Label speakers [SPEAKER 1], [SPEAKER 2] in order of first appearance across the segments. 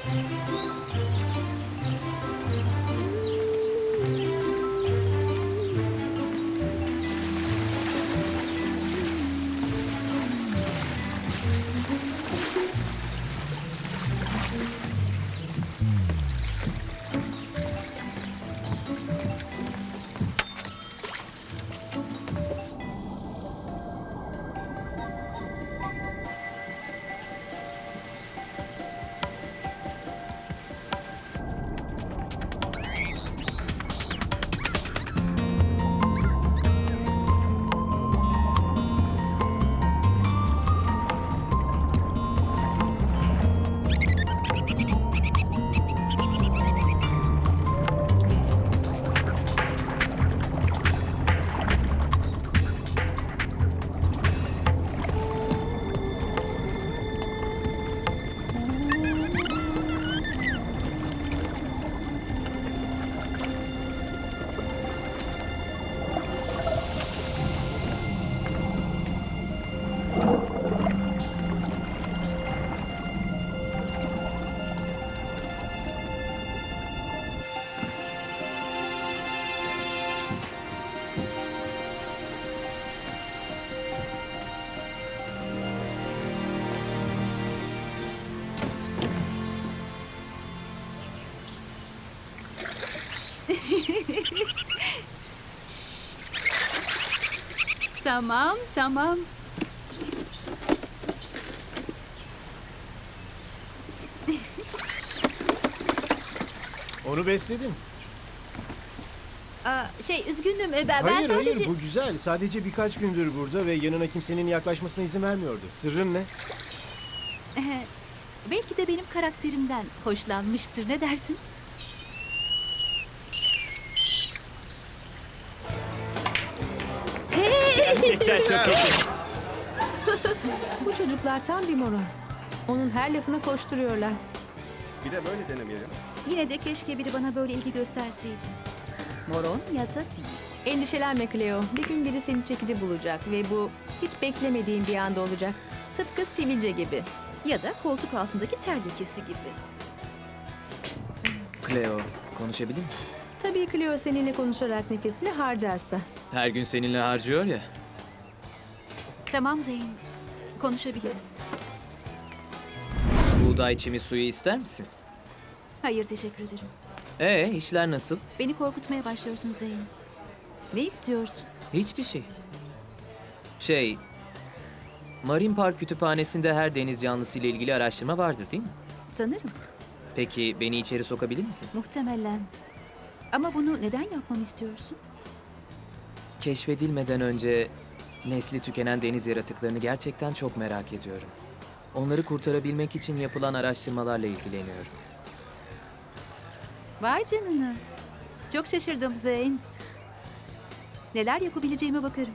[SPEAKER 1] Tamam, tamam.
[SPEAKER 2] Onu besledim.
[SPEAKER 1] Üzgünüm. Ben
[SPEAKER 2] Hayır
[SPEAKER 1] sadece...
[SPEAKER 2] hayır, bu güzel. Sadece birkaç gündür burada ve yanına kimsenin yaklaşmasına izin vermiyordu. Sırrın ne?
[SPEAKER 1] Belki de benim karakterimden hoşlanmıştır. Ne dersin?
[SPEAKER 2] Gerçekten çok iyi.
[SPEAKER 3] Bu çocuklar tam bir moron. Onun her lafına koşturuyorlar.
[SPEAKER 4] Bir de böyle denemeyelim.
[SPEAKER 1] Yine de keşke biri bana böyle ilgi gösterseydi. Moron ya da değil.
[SPEAKER 3] Endişelenme Cleo. Bir gün biri seni çekici bulacak ve bu hiç beklemediğin bir anda olacak. Tıpkı sivilce gibi.
[SPEAKER 1] Ya da koltuk altındaki ter lekesi gibi.
[SPEAKER 5] Cleo, konuşabilir misin?
[SPEAKER 3] Tabii Cleo seninle konuşarak nefesini harcarsa.
[SPEAKER 5] Her gün seninle harcıyor ya.
[SPEAKER 1] Tamam Zeyn. Konuşabiliriz.
[SPEAKER 5] Buğday çimi suyu ister misin?
[SPEAKER 1] Hayır, teşekkür ederim.
[SPEAKER 5] İşler nasıl?
[SPEAKER 1] Beni korkutmaya başlıyorsun Zeyn. Ne istiyorsun?
[SPEAKER 5] Hiçbir şey. Marine Park Kütüphanesi'nde her deniz canlısı ile ilgili araştırma vardır değil mi?
[SPEAKER 1] Sanırım.
[SPEAKER 5] Peki beni içeri sokabilir misin?
[SPEAKER 1] Muhtemelen. Ama bunu neden yapmamı istiyorsun?
[SPEAKER 5] Keşfedilmeden önce nesli tükenen deniz yaratıklarını gerçekten çok merak ediyorum. Onları kurtarabilmek için yapılan araştırmalarla ilgileniyorum.
[SPEAKER 1] Vay canına. Çok şaşırdım Zeyn. Neler yapabileceğime bakarım.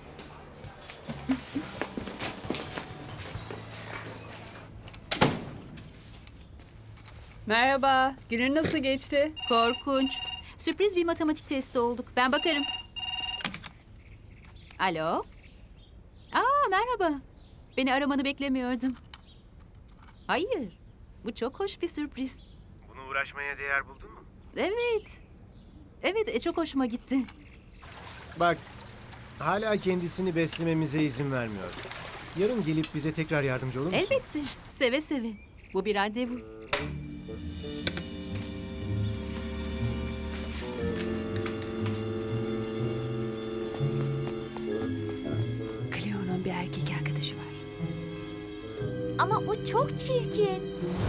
[SPEAKER 6] Merhaba, günün nasıl geçti?
[SPEAKER 1] Korkunç. Sürpriz bir matematik testi olduk. Ben bakarım. Alo? Merhaba. Beni aramanı beklemiyordum. Hayır. Bu çok hoş bir sürpriz.
[SPEAKER 2] Bunu uğraşmaya değer buldun mu?
[SPEAKER 1] Evet. Evet, çok hoşuma gitti.
[SPEAKER 2] Bak, hala kendisini beslememize izin vermiyor. Yarın gelip bize tekrar yardımcı olur musun?
[SPEAKER 1] Elbette. Seve seve. Bu bir randevu.
[SPEAKER 3] Cleo'nun bir erkek arkadaşı var.
[SPEAKER 7] Ama o çok çirkin.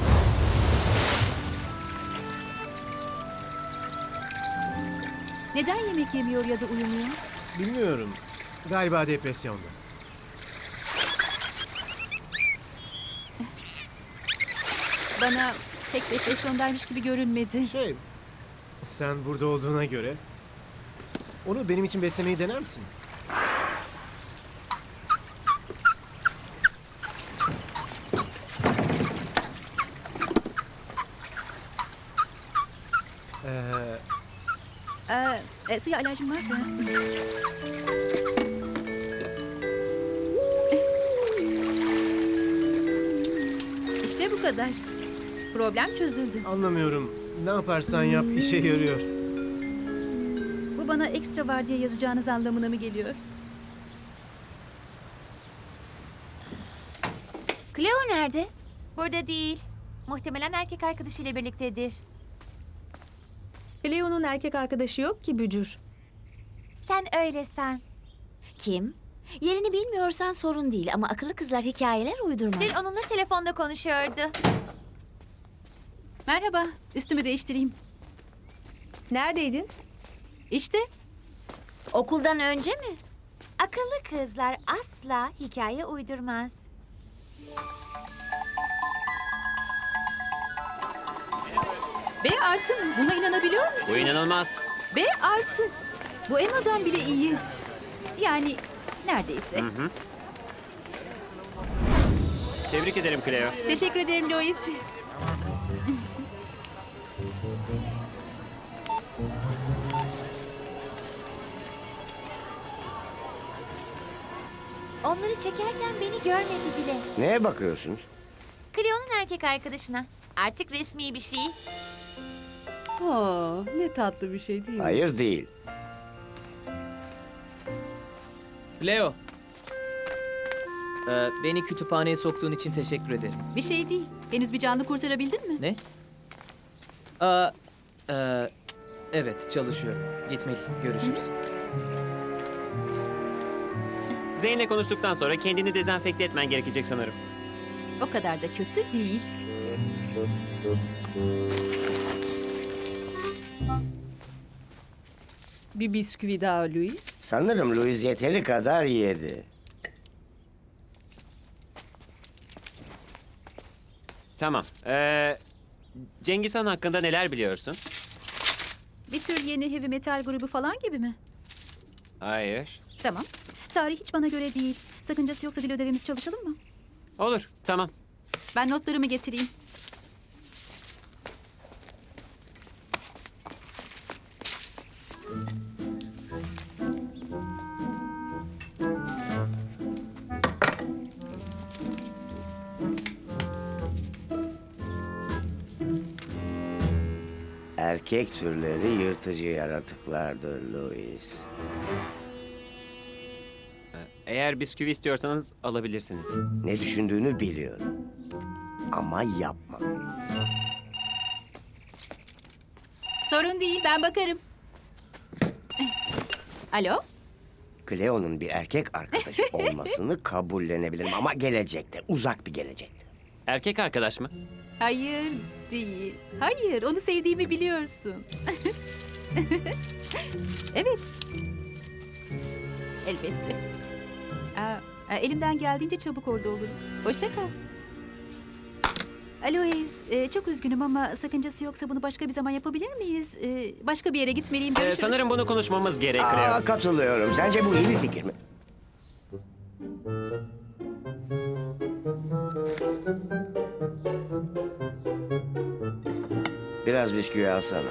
[SPEAKER 1] Neden yemek yemiyor ya da uyumuyor?
[SPEAKER 2] Bilmiyorum. Galiba depresyonda.
[SPEAKER 1] Bana pek depresyondaymış gibi görünmedi.
[SPEAKER 2] Sen burada olduğuna göre onu benim için beslemeyi dener misin?
[SPEAKER 1] Suya alerjim vardı. İşte bu kadar. Problem çözüldü.
[SPEAKER 2] Anlamıyorum. Ne yaparsan yap işe yarıyor.
[SPEAKER 1] Bu bana ekstra vardiya yazacağınız anlamına mı geliyor?
[SPEAKER 7] Cleo nerede? Burada değil. Muhtemelen erkek arkadaşıyla birliktedir.
[SPEAKER 3] Leo'nun erkek arkadaşı yok ki Bücür.
[SPEAKER 7] Sen öyle san.
[SPEAKER 6] Kim? Yerini bilmiyorsan sorun değil ama akıllı kızlar hikayeler uydurmaz.
[SPEAKER 7] Dün onunla telefonda konuşuyordu.
[SPEAKER 1] Merhaba, üstümü değiştireyim.
[SPEAKER 3] Neredeydin?
[SPEAKER 1] İşte,
[SPEAKER 6] Okuldan önce mi?
[SPEAKER 7] Akıllı kızlar asla hikaye uydurmaz.
[SPEAKER 1] B artı mı? Buna inanabiliyor musun?
[SPEAKER 5] Bu inanılmaz.
[SPEAKER 1] B artı. Bu Emma'dan bile iyi. Yani neredeyse.
[SPEAKER 4] Tebrik ederim Cleo.
[SPEAKER 1] Teşekkür ederim Lois.
[SPEAKER 7] Onları çekerken beni görmedi bile.
[SPEAKER 8] Neye bakıyorsunuz?
[SPEAKER 7] Cleo'nun erkek arkadaşına. Artık resmi bir şey.
[SPEAKER 9] Ne tatlı bir şey değil mi?
[SPEAKER 8] Hayır değil.
[SPEAKER 5] Leo. Beni kütüphaneye soktuğun için teşekkür ederim.
[SPEAKER 1] Bir şey değil. Henüz bir canlı kurtarabildin mi?
[SPEAKER 5] Ne? Evet, çalışıyorum. Gitmeliyim. Görüşürüz.
[SPEAKER 4] Zeyn'le konuştuktan sonra kendini dezenfekte etmen gerekecek sanırım.
[SPEAKER 1] O kadar da kötü değil.
[SPEAKER 9] Bir bisküvi daha Louis.
[SPEAKER 8] Sanırım Louis yeteri kadar yedi.
[SPEAKER 4] Tamam. Cengiz Han hakkında neler biliyorsun?
[SPEAKER 1] Bir tür yeni heavy metal grubu falan gibi mi?
[SPEAKER 4] Hayır.
[SPEAKER 1] Tamam. Tarih hiç bana göre değil. Sakıncası yoksa dil ödevimiz çalışalım mı?
[SPEAKER 4] Olur, tamam.
[SPEAKER 1] Ben notlarımı getireyim.
[SPEAKER 8] Erkek türleri yırtıcı yaratıklardır Louis.
[SPEAKER 4] Eğer bisküvi istiyorsanız alabilirsiniz.
[SPEAKER 8] Ne düşündüğünü biliyorum. Ama yapma.
[SPEAKER 1] Sorun değil, ben bakarım. Alo?
[SPEAKER 8] Cleo'nun bir erkek arkadaşı olmasını kabullenebilirim ama gelecekte, uzak bir gelecekte.
[SPEAKER 4] Erkek arkadaş mı?
[SPEAKER 1] Hayır değil. Hayır, onu sevdiğimi biliyorsun. Evet. Elbette. Elimden geldiğince çabuk orada olurum. Hoşça kal. Alois, çok üzgünüm ama sakıncası yoksa bunu başka bir zaman yapabilir miyiz? Başka bir yere gitmeliyim. Görüşürüz.
[SPEAKER 4] Sanırım bunu konuşmamız gerek Cleo.
[SPEAKER 8] Katılıyorum. Sence bu iyi bir fikir mi? Biraz bisküvi alsana.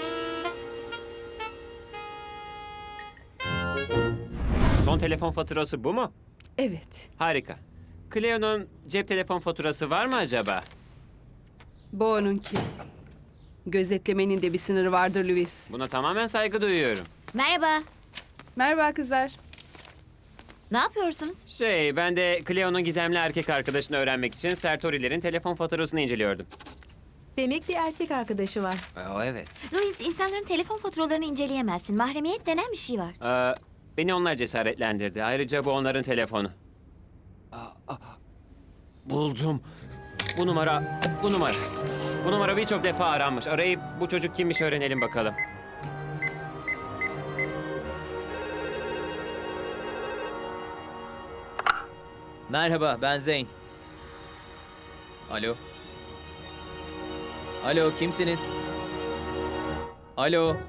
[SPEAKER 4] Son telefon faturası bu mu?
[SPEAKER 9] Evet.
[SPEAKER 4] Harika. Cleo'nun cep telefon faturası var mı acaba?
[SPEAKER 9] Bu onunki. Gözetlemenin de bir sınırı vardır Louis.
[SPEAKER 4] Buna tamamen saygı duyuyorum.
[SPEAKER 6] Merhaba.
[SPEAKER 9] Merhaba kızlar.
[SPEAKER 6] Ne yapıyorsunuz?
[SPEAKER 4] Ben de Cleo'nun gizemli erkek arkadaşını öğrenmek için Sertori'lerin telefon faturasını inceliyordum.
[SPEAKER 3] Demek bir erkek arkadaşı var.
[SPEAKER 4] Evet.
[SPEAKER 6] Louis, insanların telefon faturalarını inceleyemezsin. Mahremiyet denen bir şey var.
[SPEAKER 4] Beni onlar cesaretlendirdi. Ayrıca bu onların telefonu. Buldum. Bu numara. Bu numara birçok defa aranmış. Arayıp bu çocuk kimmiş öğrenelim bakalım.
[SPEAKER 5] Merhaba, ben Zeyn. Alo. Alo, kimsiniz? Alo.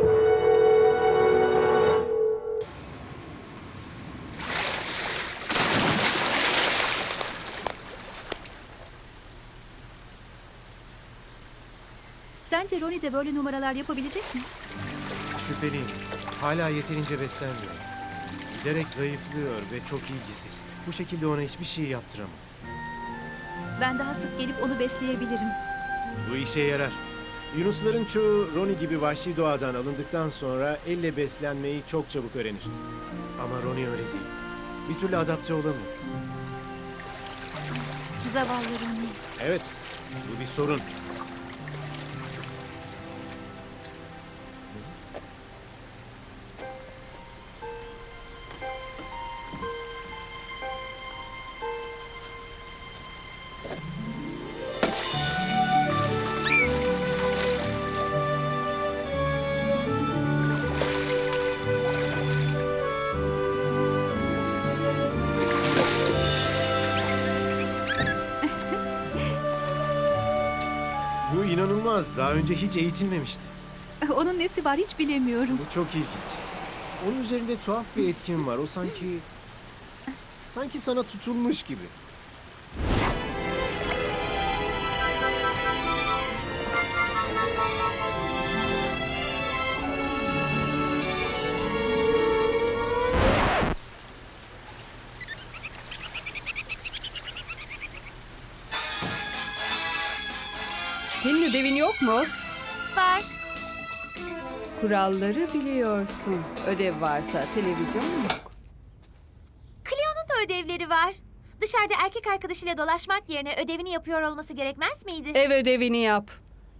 [SPEAKER 1] Sence Ronnie de böyle numaralar yapabilecek mi?
[SPEAKER 2] Şüpheliyim. Hala yeterince beslenmiyor. Giderek zayıflıyor ve çok ilgisiz. Bu şekilde ona hiçbir şey yaptıramam.
[SPEAKER 1] Ben daha sık gelip onu besleyebilirim.
[SPEAKER 2] Bu işe yarar. Yunusların çoğu Ronnie gibi vahşi doğadan alındıktan sonra elle beslenmeyi çok çabuk öğrenir. Ama Ronnie öyle değil. Bir türlü adapte olamıyor.
[SPEAKER 1] Zavallı Ronnie.
[SPEAKER 2] Evet, bu bir sorun. Bu inanılmaz. Daha önce hiç eğitilmemişti.
[SPEAKER 1] Onun nesi var hiç bilemiyorum.
[SPEAKER 2] Bu çok ilginç. Onun üzerinde tuhaf bir etkin var. O sanki sana tutulmuş gibi.
[SPEAKER 9] Senin ödevin yok mu?
[SPEAKER 7] Var.
[SPEAKER 9] Kuralları biliyorsun. Ödev varsa televizyon yok.
[SPEAKER 7] Cleo'nun da ödevleri var. Dışarıda erkek arkadaşıyla dolaşmak yerine ödevini yapıyor olması gerekmez miydi?
[SPEAKER 9] Ev ödevini yap.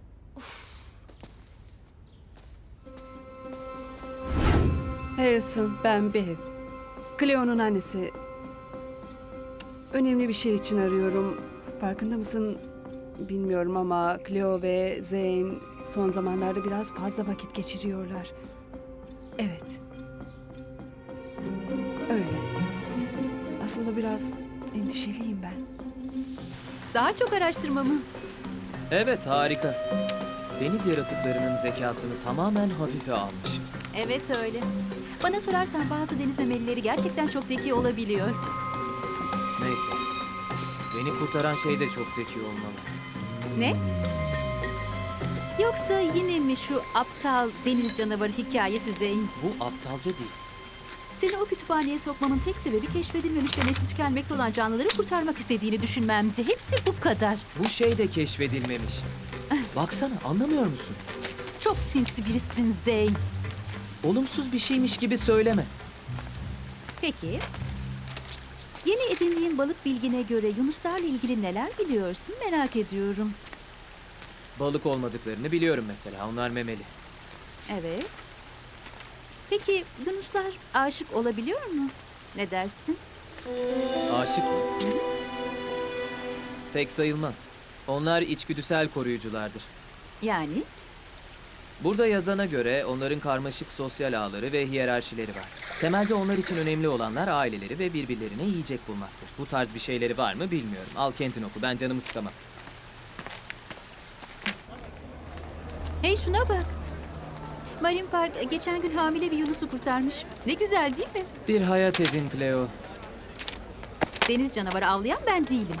[SPEAKER 9] Harrison, ben Bev. Cleo'nun annesi. Önemli bir şey için arıyorum. Farkında mısın bilmiyorum ama Cleo ve Zane son zamanlarda biraz fazla vakit geçiriyorlar. Evet. Öyle. Aslında biraz endişeliyim ben.
[SPEAKER 1] Daha çok araştırma mı?
[SPEAKER 5] Evet, harika. Deniz yaratıklarının zekasını tamamen hafife almış.
[SPEAKER 1] Evet öyle. Bana sorarsan bazı deniz memelileri gerçekten çok zeki olabiliyor.
[SPEAKER 5] Neyse. Beni kurtaran şey de çok zeki olmalı.
[SPEAKER 1] Ne? Yoksa yine mi şu aptal deniz canavarı hikayesi Zeyn?
[SPEAKER 5] Bu aptalca değil.
[SPEAKER 1] Seni o kütüphaneye sokmamın tek sebebi keşfedilmemiş ve nesli tükenmekte olan canlıları kurtarmak istediğini düşünmemdi. Hepsi bu kadar.
[SPEAKER 5] Bu şey de keşfedilmemiş. Baksana, anlamıyor musun?
[SPEAKER 1] Çok sinsi birisin Zeyn.
[SPEAKER 5] Olumsuz bir şeymiş gibi söyleme.
[SPEAKER 1] Peki. Yeni edindiğin balık bilgine göre yunuslarla ilgili neler biliyorsun merak ediyorum.
[SPEAKER 5] Balık olmadıklarını biliyorum mesela. Onlar memeli.
[SPEAKER 1] Evet. Peki yunuslar aşık olabiliyor mu? Ne dersin?
[SPEAKER 5] Aşık mı? Pek sayılmaz. Onlar içgüdüsel koruyuculardır.
[SPEAKER 1] Yani?
[SPEAKER 5] Burada yazana göre onların karmaşık sosyal ağları ve hiyerarşileri var. Temelde onlar için önemli olanlar aileleri ve birbirlerine yiyecek bulmaktır. Bu tarz bir şeyleri var mı bilmiyorum. Al kendin oku, ben canımı sıkamam.
[SPEAKER 1] Hey şuna bak. Marine Park geçen gün hamile bir yunusu kurtarmış. Ne güzel değil mi?
[SPEAKER 5] Bir hayat edin Cleo.
[SPEAKER 1] Deniz canavarı avlayan ben değilim.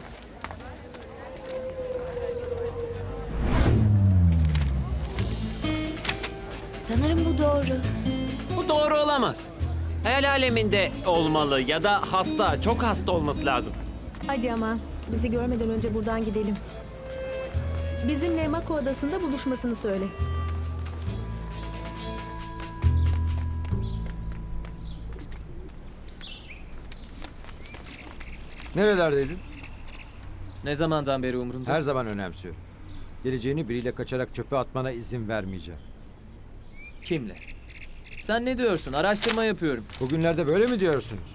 [SPEAKER 6] Sanırım bu doğru.
[SPEAKER 4] Bu doğru olamaz. Hayal aleminde olmalı ya da hasta, çok hasta olması lazım.
[SPEAKER 3] Hadi ama bizi görmeden önce buradan gidelim. Bizimle Mako Adası'nda buluşmasını söyle.
[SPEAKER 10] Nerelerdeydin?
[SPEAKER 5] Ne zamandan beri umurumda?
[SPEAKER 10] Her zaman önemsiyorum. Geleceğini biriyle kaçarak çöpe atmana izin vermeyeceğim.
[SPEAKER 5] Kimle? Sen ne diyorsun? Araştırma yapıyorum.
[SPEAKER 10] Bugünlerde böyle mi diyorsunuz?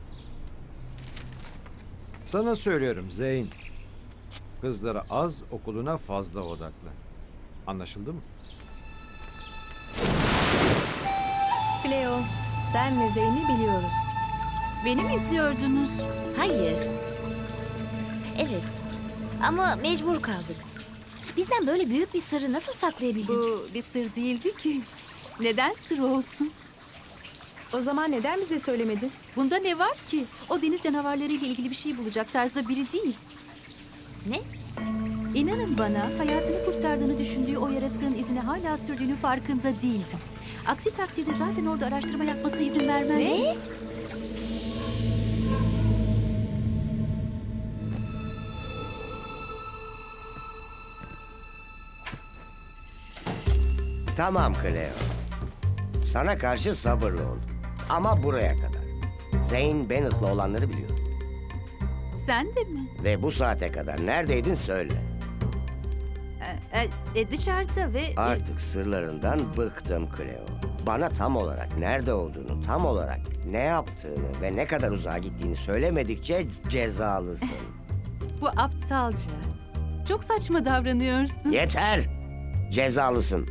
[SPEAKER 10] Sana söylüyorum Zeyn. Kızlara az, okuluna fazla odaklan. Anlaşıldı mı?
[SPEAKER 3] Cleo, sen ve Zeyn'i biliyoruz.
[SPEAKER 1] Beni mi izliyordunuz?
[SPEAKER 6] Hayır. Evet. Ama mecbur kaldık. Bizden böyle büyük bir sırrı nasıl saklayabildin?
[SPEAKER 1] Bu bir sır değildi ki. Neden sır olsun?
[SPEAKER 3] O zaman neden bize söylemedin?
[SPEAKER 1] Bunda ne var ki? O deniz canavarlarıyla ilgili bir şey bulacak tarzda biri değil.
[SPEAKER 6] Ne?
[SPEAKER 1] İnanın bana hayatını kurtardığını düşündüğü o yaratığın izini hala sürdüğünü farkında değildim. Aksi takdirde zaten orada araştırma yapmasına izin vermezdim.
[SPEAKER 6] Ne?
[SPEAKER 8] Tamam Cleo. Sana karşı sabırlı ol. Ama buraya kadar. Zane Bennett'la olanları biliyorum.
[SPEAKER 1] Sen de mi?
[SPEAKER 8] Ve bu saate kadar neredeydin söyle.
[SPEAKER 1] Dışarıda ve...
[SPEAKER 8] Artık sırlarından bıktım Cleo. Bana tam olarak nerede olduğunu, tam olarak ne yaptığını ve ne kadar uzağa gittiğini söylemedikçe cezalısın.
[SPEAKER 1] Bu aptalca. Çok saçma davranıyorsun.
[SPEAKER 8] Yeter! Cezalısın.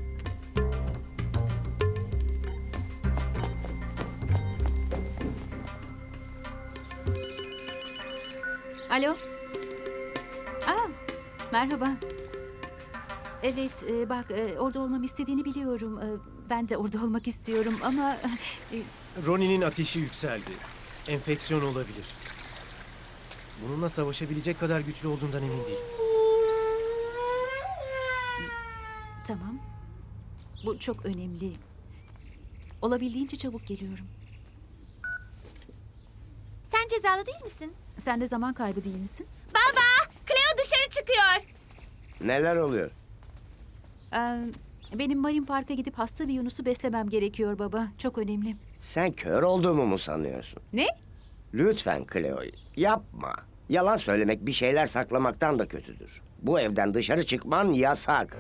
[SPEAKER 1] Alo. Merhaba. Evet, bak orada olmamı istediğini biliyorum. Ben de orada olmak istiyorum ama...
[SPEAKER 2] Ronnie'nin ateşi yükseldi. Enfeksiyon olabilir. Bununla savaşabilecek kadar güçlü olduğundan emin değilim.
[SPEAKER 1] Tamam. Bu çok önemli. Olabildiğince çabuk geliyorum.
[SPEAKER 7] Sen cezalı değil misin?
[SPEAKER 1] Sen de zaman kaybı değil misin?
[SPEAKER 7] Baba! Cleo dışarı çıkıyor.
[SPEAKER 8] Neler oluyor?
[SPEAKER 1] Benim Marine Park'a gidip hasta bir Yunus'u beslemem gerekiyor baba. Çok önemli.
[SPEAKER 8] Sen kör olduğumu mu sanıyorsun?
[SPEAKER 1] Ne?
[SPEAKER 8] Lütfen Cleo, yapma. Yalan söylemek bir şeyler saklamaktan da kötüdür. Bu evden dışarı çıkman yasak.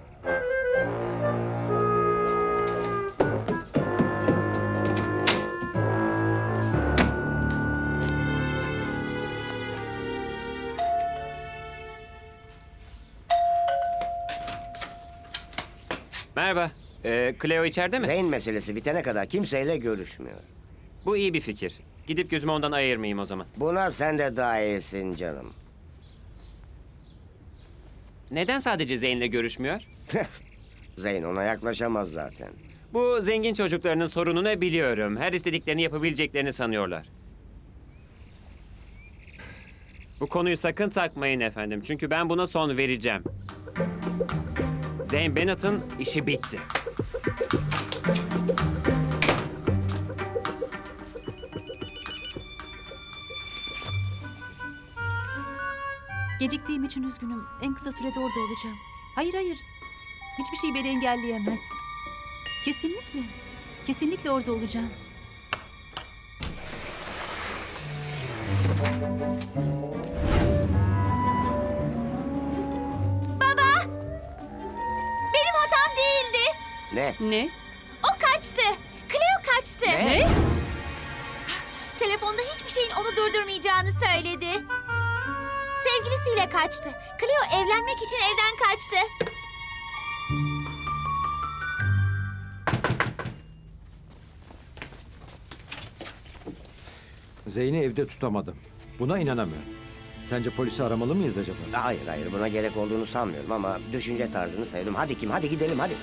[SPEAKER 4] Merhaba. Cleo içeride mi?
[SPEAKER 8] Zane meselesi bitene kadar kimseyle görüşmüyor.
[SPEAKER 4] Bu iyi bir fikir. Gidip gözümü ondan ayırmayayım o zaman.
[SPEAKER 8] Buna sen de dahilsin canım.
[SPEAKER 4] Neden sadece Zane'le görüşmüyor?
[SPEAKER 8] Zane ona yaklaşamaz zaten.
[SPEAKER 4] Bu zengin çocuklarının sorununu biliyorum. Her istediklerini yapabileceklerini sanıyorlar. Bu konuyu sakın takmayın efendim. Çünkü ben buna son vereceğim. Zane Bennett'ın işi bitti.
[SPEAKER 1] Geciktiğim için üzgünüm. En kısa sürede orada olacağım. Hayır. Hiçbir şey beni engelleyemez. Kesinlikle. Kesinlikle orada olacağım.
[SPEAKER 7] Benim hatam değildi.
[SPEAKER 8] Ne?
[SPEAKER 9] Ne?
[SPEAKER 7] O kaçtı. Cleo kaçtı.
[SPEAKER 8] Ne?
[SPEAKER 7] Telefonda hiçbir şeyin onu durdurmayacağını söyledi. Sevgilisiyle kaçtı. Cleo evlenmek için evden kaçtı.
[SPEAKER 10] Zane'i evde tutamadım. Buna inanamıyorum. Sence polisi aramalı mıyız acaba?
[SPEAKER 8] Hayır buna gerek olduğunu sanmıyorum ama düşünce tarzını sevdim. Hadi Kim, hadi gidelim hadi.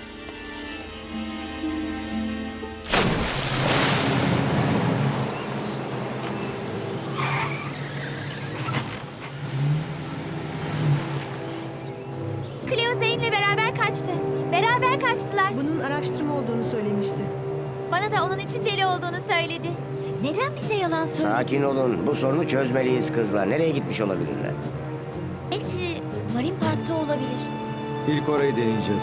[SPEAKER 7] Cleo Zane'le beraber kaçtı. Beraber kaçtılar.
[SPEAKER 3] Bunun araştırma olduğunu söylemişti.
[SPEAKER 7] Bana da onun için deli olduğunu söyledi.
[SPEAKER 6] Neden bize yalan söyledi?
[SPEAKER 8] Sakin olun. Bu sorunu çözmeliyiz kızlar. Nereye gitmiş olabilirler?
[SPEAKER 6] Belki Marine Park'ta olabilir.
[SPEAKER 10] İlk orayı deneyeceğiz.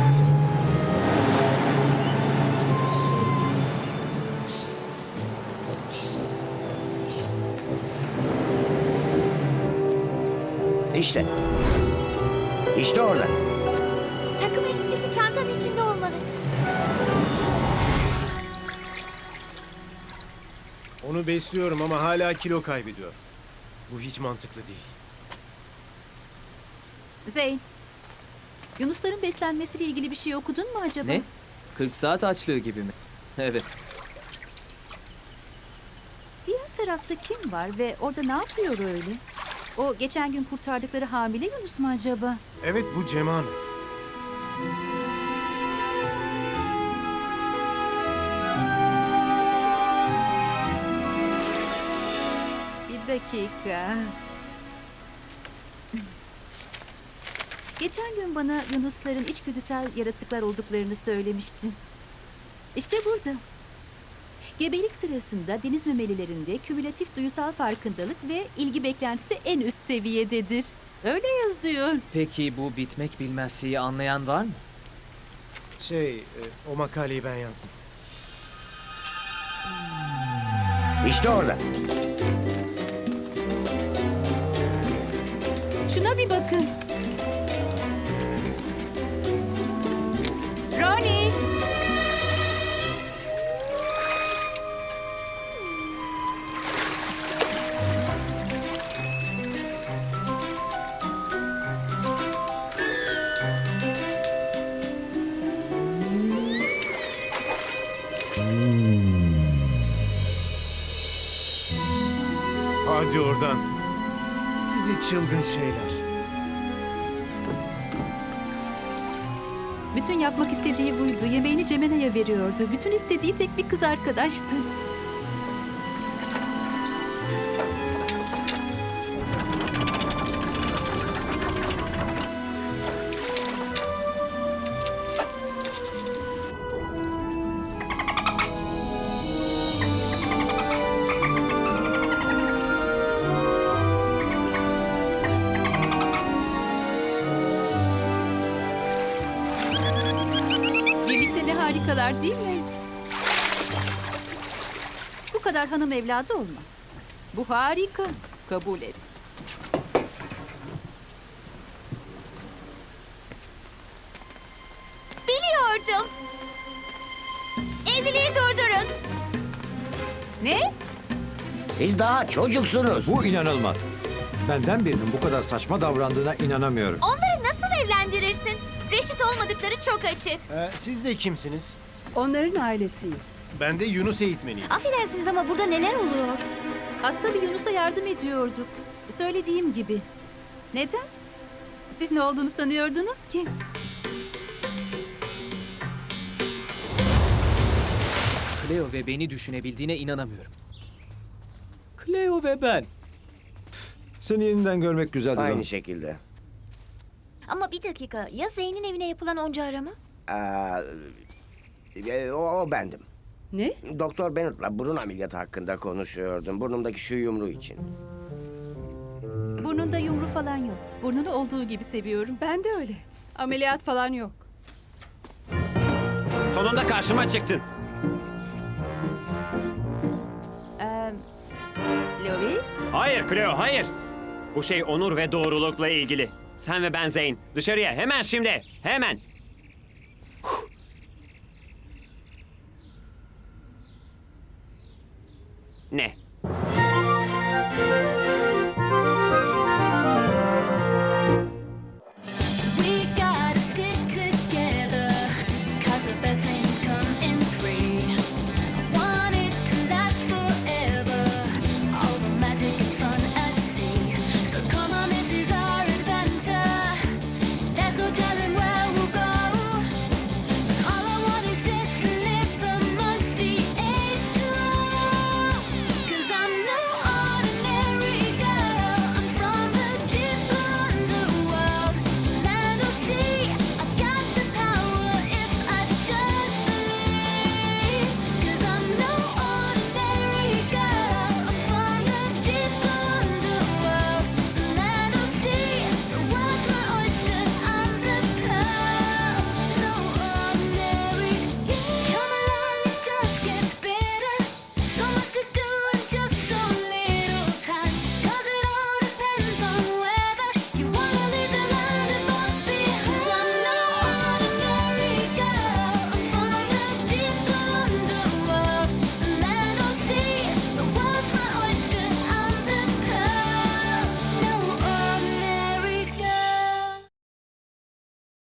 [SPEAKER 8] İşte. İşte orada.
[SPEAKER 7] Takım elbisesi çantanın içinde olmalı.
[SPEAKER 2] Onu besliyorum ama hala kilo kaybediyor. Bu hiç mantıklı değil.
[SPEAKER 1] Zeyn. Yunusların beslenmesiyle ilgili bir şey okudun mu acaba?
[SPEAKER 5] Ne? 40 saat açlığı gibi mi? Evet.
[SPEAKER 1] Diğer tarafta kim var ve orada ne yapıyor öyle? O geçen gün kurtardıkları hamile Yunus mu acaba?
[SPEAKER 2] Evet, bu Ceman.
[SPEAKER 1] Bir dakika. Geçen gün bana Yunusların içgüdüsel yaratıklar olduklarını söylemiştin. İşte burada. Gebelik sırasında deniz memelilerinde kümülatif duyusal farkındalık ve ilgi beklentisi en üst seviyededir. Öyle yazıyor.
[SPEAKER 5] Peki bu bitmek bilmez şeyi anlayan var mı?
[SPEAKER 2] O makaleyi ben yazdım.
[SPEAKER 8] İşte orada.
[SPEAKER 1] Şuna bir bakın. Ronnie!
[SPEAKER 2] Hadi oradan. Sizi çılgın şeyler.
[SPEAKER 1] Bütün yapmak istediği buydu. Yemeğini Cemena'ya veriyordu. Bütün istediği tek bir kız arkadaştı. Birlikte ne harikalar değil mi? Bu kadar hanım evladı olma. Bu harika. Kabul et.
[SPEAKER 7] Biliyordum. Evliliği durdurun.
[SPEAKER 1] Ne?
[SPEAKER 8] Siz daha çocuksunuz.
[SPEAKER 10] Bu inanılmaz. Benden birinin bu kadar saçma davrandığına inanamıyorum.
[SPEAKER 7] Onları nasıl evlendirirsin? Reşit olmadıkları çok açık.
[SPEAKER 2] Siz de kimsiniz?
[SPEAKER 9] Onların ailesiyiz.
[SPEAKER 2] Ben de Yunus eğitmeniyim.
[SPEAKER 6] Affedersiniz ama burada neler oluyor?
[SPEAKER 1] Hasta bir Yunus'a yardım ediyorduk. Söylediğim gibi. Neden? Siz ne olduğunu sanıyordunuz ki?
[SPEAKER 5] Cleo ve beni düşünebildiğine inanamıyorum. Cleo ve ben.
[SPEAKER 10] Seni yeniden görmek güzeldi.
[SPEAKER 8] Aynı
[SPEAKER 10] Ron.
[SPEAKER 8] şekilde.
[SPEAKER 6] Ama bir dakika, ya Zeyn'in evine yapılan onca arama?
[SPEAKER 8] O bendim.
[SPEAKER 9] Ne?
[SPEAKER 8] Doktor Bennett'la burun ameliyatı hakkında konuşuyordum. Burnumdaki şu yumruğu için.
[SPEAKER 1] Burnunda yumru falan yok. Burnunu olduğu gibi seviyorum.
[SPEAKER 9] Ben de öyle. Ameliyat falan yok.
[SPEAKER 4] Sonunda karşıma çıktın.
[SPEAKER 1] Lois?
[SPEAKER 4] Hayır Cleo, hayır. Bu şey onur ve doğrulukla ilgili. Sen ve ben Zeyn. Dışarıya hemen şimdi. Hemen.